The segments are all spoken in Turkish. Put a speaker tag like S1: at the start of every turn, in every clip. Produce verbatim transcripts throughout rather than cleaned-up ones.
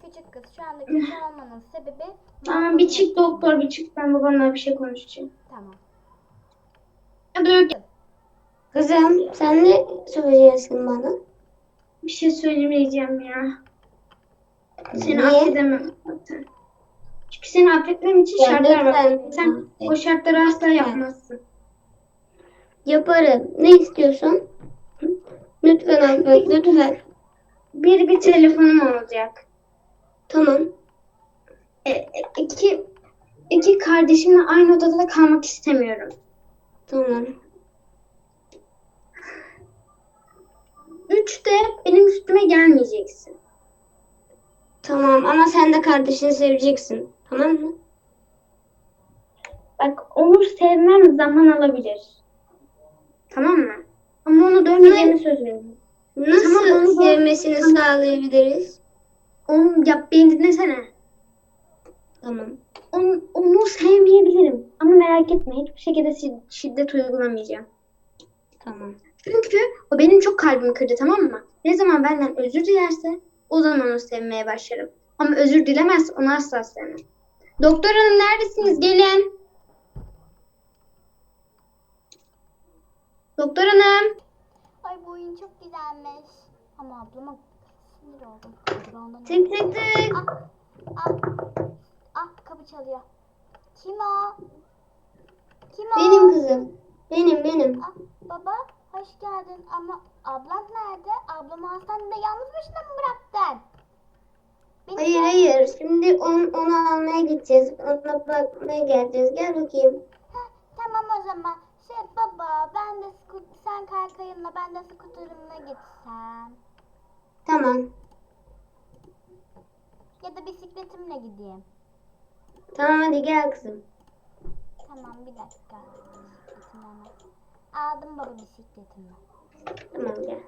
S1: küçük kız. Şu anda kötü olmanın sebebi...
S2: Tamam bir çık doktor bir çık. Ben babamla bir şey konuşacağım.
S1: Tamam.
S2: Hadi.
S3: Kızım sen ne söyleyeceksin bana?
S2: Bir şey söylemeyeceğim ya. Seni
S3: Niye?
S2: affedemem zaten. Çünkü seni affetmem için
S3: Ya
S2: şartlar var.
S3: lütfen.
S2: Sen o şartları asla yapmazsın.
S3: Yaparım. Ne istiyorsun? Lütfen affet lütfen.
S2: Bir bir telefonum olacak.
S3: Tamam.
S2: E, e, iki, iki kardeşimle aynı odada kalmak istemiyorum.
S3: Tamam.
S2: Üç de benim üstüme gelmeyeceksin.
S3: Tamam ama sen de kardeşini seveceksin. Tamam mı?
S2: Bak olur sevmem zaman alabilir. Tamam mı? Ama onu dövmeyeceğimi söz veriyorum.
S3: Nasıl
S2: Tamam, onu da-
S3: sevmesini
S2: Tamam.
S3: sağlayabiliriz?
S2: Onu yap beni dinlesene.
S3: Tamam.
S2: Onu, onu sevmeyebilirim. Ama merak etme hiçbir şekilde şi- şiddet uygulamayacağım.
S3: Tamam.
S2: Çünkü o benim çok kalbimi kırdı tamam mı? Ne zaman benden özür dilerse o zaman onu sevmeye başlarım. Ama özür dilemezse onu asla sevmem. Doktor hanım neredesiniz? Gelin. Doktor hanım.
S1: Ay bu oyun çok güzelmiş. Ama ablama sinir oldum. Acaba ondan
S3: Tık tık tık.
S1: Ah, ah, ah kapı çalıyor. Kim o? Kim o?
S3: Benim kızım. Benim benim.
S1: Ah, baba hoş geldin ama ablam nerede? Ablamı hastanede yalnız başına mı bıraktın? Beni
S3: Hayır
S1: sen-
S3: hayır. Şimdi on, onu almaya gideceğiz. Ona bakmaya geleceğiz. Gel bakayım.
S1: Heh, tamam o zaman. Şey baba ben de sku- sen kaykayınla ben de skuterımla gitsem.
S3: Tamam.
S1: Ya da bisikletimle gideyim.
S3: Tamam hadi gel kızım.
S1: Tamam bir dakika. Bisikletimi hemen. Aldım baba bisikletimi.
S3: Tamam gel.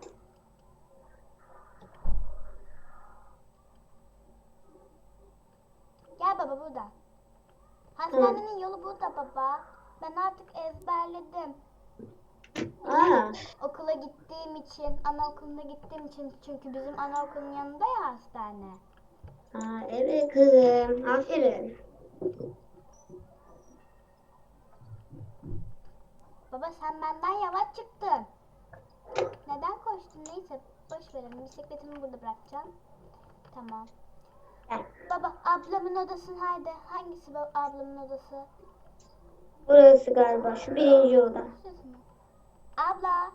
S1: Gel baba burada. Hastanenin yolu burada baba. Ben artık ezberledim.
S3: Aa.
S1: Okula gittiğim için, anaokuluna gittiğim için çünkü bizim anaokulun yanında ya hastane.
S3: Aa evet kızım. Aferin.
S1: Baba sen benden yavaş çıktın. Neden koştun? Neyse boş verelim. Bisikletimi burada bırakacağım. Tamam.
S3: Gel.
S1: Baba ablamın odası nerede? Hangisi bu ablamın odası?
S3: Burası galiba şu birinci oda.
S1: Şurası mı? Abla.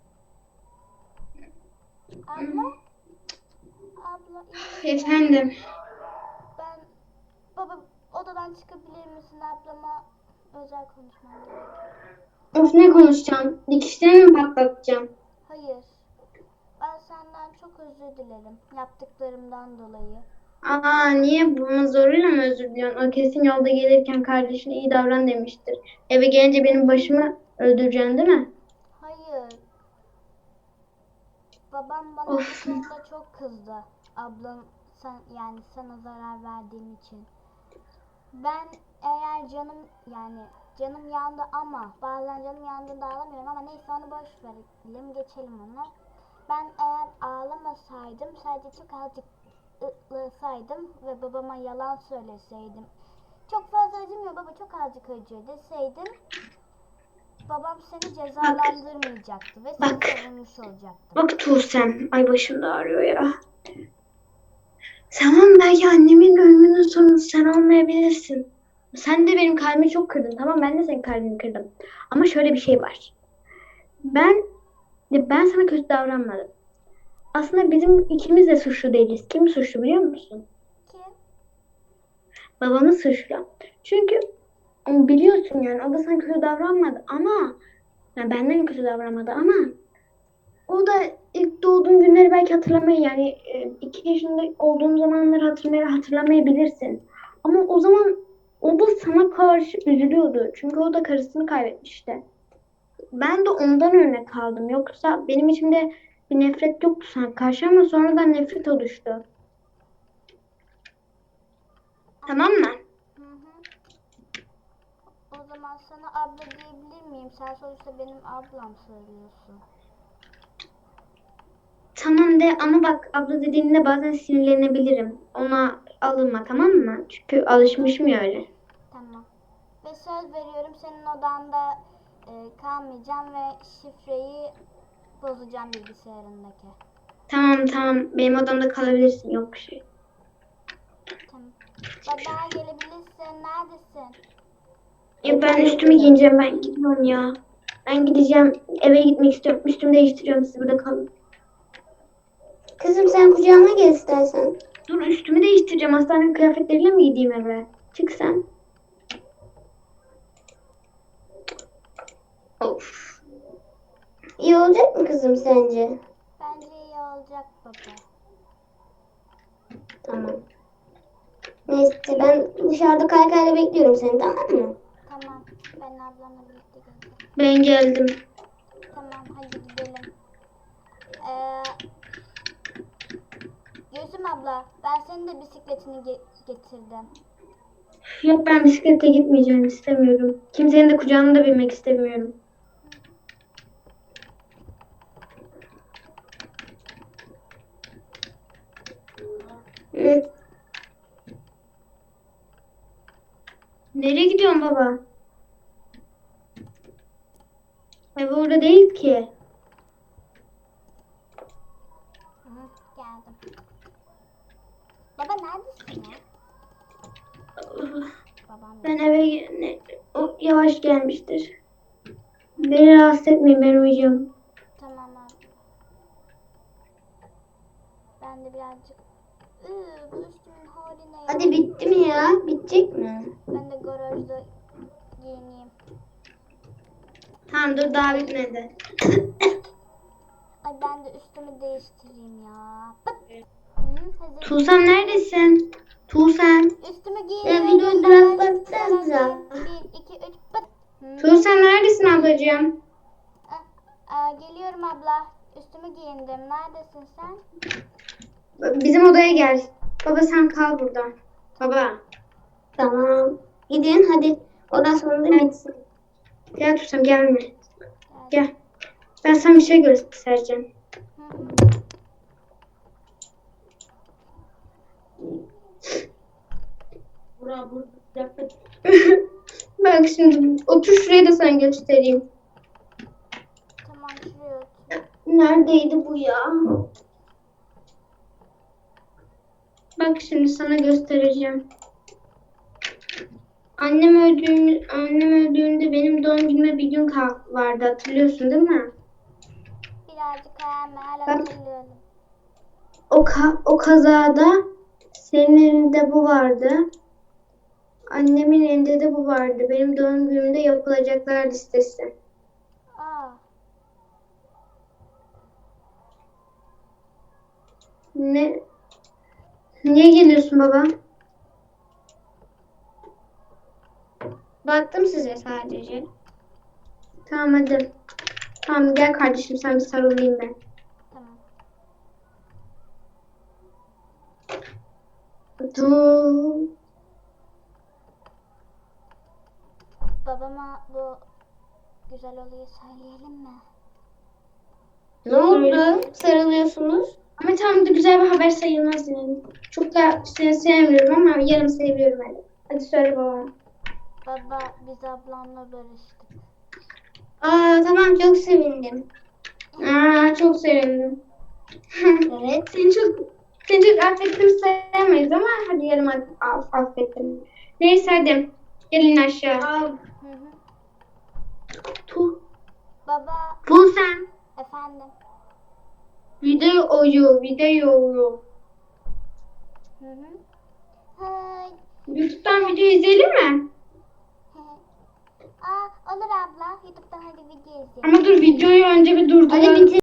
S1: Abla. Abla iyi misin?
S2: Efendim.
S1: Ben baba odadan çıkabilir misin ablama özel konuşmam gerekiyor.
S2: Of ne konuşacağım? Dikişlerimi mi patlatacağım?
S1: Hayır. Ben senden çok özür dilerim yaptıklarımdan dolayı.
S2: Aa niye bunun zoruyla mı özür diliyorsun? O kesin yolda gelirken kardeşine iyi davran demiştir. Eve gelince benim başımı öldüreceksin değil mi?
S1: Hayır. Babam bana
S2: Of.
S1: bu konuda çok kızdı. Ablam sen yani sana zarar verdiğim için. Ben eğer canım yani canım yandı ama bazen canım yandığında ağlamıyorum ama neyse onu boş verelim geçelim onu. Ben eğer ağlamasaydım sadece çok azıcık ıhlasaydım ve babama yalan söyleseydim. Çok fazla acımıyor baba çok azıcık acıyor deseydim. Babam seni cezalandırmayacaktı ve seni
S2: Bak.
S1: savunmuş olacaktı.
S2: Bak Tuğsem. Ay başım da ağrıyor ya. Tamam belki annemin ölümünün sonu sen olmayabilirsin. Sen de benim kalbimi çok kırdın. Tamam ben de senin kalbini kırdım. Ama şöyle bir şey var. Ben ya ben sana kötü davranmadım. Aslında bizim ikimiz de suçlu değiliz. Kim suçlu biliyor musun?
S1: Kim?
S2: Babamız suçlu. Çünkü biliyorsun yani o da sana kötü davranmadı ama yani benden kötü davranmadı ama o da ilk doğduğun günleri belki hatırlamayı yani e, iki yaşında olduğum zamanları hatırlamayı hatırlamayabilirsin. Ama o zaman o da sana karşı üzülüyordu. Çünkü o da karısını kaybetmişti. Ben de ondan örnek aldım. Yoksa benim içimde bir nefret yoktu sana karşı ama sonradan nefret oluştu. Tamam mı?
S1: Hı hı. O zaman sana abla diyebilir miyim? Sen sonuçta benim ablam söylüyorsun.
S2: Tamam de ama bak abla dediğinde bazen sinirlenebilirim. Ona alınma tamam mı? Çünkü alışmışım ya öyle.
S1: Tamam. Ve söz veriyorum senin odanda e, kalmayacağım ve şifreyi bozacağım bilgisayarındaki.
S2: Tamam tamam benim odamda kalabilirsin yok bir şey.
S1: Tamam. Baba gelebilirsin. Neredesin?
S2: Ya ben üstümü giyineceğim ben gidiyorum ya. Ben gideceğim eve gitmek istiyorum. Üstümü değiştiriyorum siz burada kalın.
S3: Kızım sen kucağıma gel istersen.
S2: Dur üstümü değiştireceğim. Hastane kıyafetleriyle mi gideyim eve? Çık sen. Of.
S3: İyi olacak mı kızım sence?
S1: Bence iyi olacak baba.
S3: Tamam. Neyse ben dışarıda kaykayla bekliyorum seni tamam mı?
S1: Tamam. Ben ablamla birlikte geleceğim.
S2: Ben geldim.
S1: Tamam hadi gidelim. Ee, Gülsüm abla ben senin de bisikletini ge- getirdim.
S2: Yok ben bisiklete gitmeyeceğim istemiyorum. Kimsenin de kucağına da binmek istemiyorum.
S3: Hı.
S2: Nereye gidiyorsun baba? Ev orada değil ki.
S1: Hı, geldim. Baba neredesin ya? Babam
S2: Ben eve ne, o yavaş gelmiştir. Beni rahatsız etmeyin ben uyuyacağım.
S1: Tamam abi. Ben de birazcık Iı, bu üstümün hali ne ya?
S3: Hadi bitti mi ya? Bitecek mi?
S1: Ben de garajda giyineyim.
S2: Tamam dur daha bitmedi.
S1: Ay ben de üstümü değiştireyim ya. Pıt. Hı, hazır.
S2: Tuğsem neredesin? Tuğsem.
S1: Üstümü
S3: Ya
S1: giyiniyorum.
S3: videoyu durak baksanıza.
S1: Bir, iki, üç, pıt. Hı.
S2: Tuğsem neredesin ablacığım?
S1: Ah, aa, geliyorum abla. Üstümü giyindim. Neredesin sen?
S2: Bizim odaya gel. Baba sen kal burada. Baba.
S3: Tamam. Gidin hadi. Ondan sonra da bitsin.
S2: Gel Tuğsem gelme.
S1: Gel.
S2: Gel. Ben sana bir şey göstereceğim.
S1: Hı hı.
S2: Bak şimdi otur şuraya da sana göstereyim.
S1: Tamam şuraya otur.
S2: Neredeydi bu ya? Bak şimdi sana göstereceğim. Annem öldüğünde, annem öldüğünde benim doğum günüme bir gün kal vardı hatırlıyorsun değil mi?
S1: Birazcık hayal meyal
S2: Bak.
S1: hatırlıyorum.
S2: O ka- o kazada senin elinde bu vardı. Annemin elinde de bu vardı. Benim doğum günümde yapılacaklar listesi.
S1: Aa,
S2: Ne? Niye geliyorsun baba?
S3: Baktım size sadece.
S2: Tamam hadi. Tamam gel kardeşim sen bir sarılayım ben.
S1: tamam.
S2: Dur.
S1: Babama bu güzel olayı söyleyelim mi?
S3: Ne oldu? Sarılıyorsunuz.
S2: Ama tamam da güzel bir haber sayılmaz yani. Çok da seni sevmiyorum ama yarım seviyorum hadi. Hadi söyle baba.
S1: Baba biz ablamla barıştık.
S3: Aa tamam çok sevindim.
S2: Aa, çok sevindim.
S3: Evet.
S2: Seni çok seni çok affettim sayamayız ama hadi yarım aff- affettim. Neyse hadi. Gelin aşağı.
S1: Hı hı.
S2: Tu.
S1: Baba
S2: Bu sen.
S1: efendim.
S2: Video oyu, video oyu.
S1: Hı hı. Hay.
S2: YouTube'dan video izleyelim mi?
S1: Aa olur abla. YouTube'dan hadi video izleyelim.
S2: Ama dur videoyu önce bir durduralım.
S3: Hadi bitir.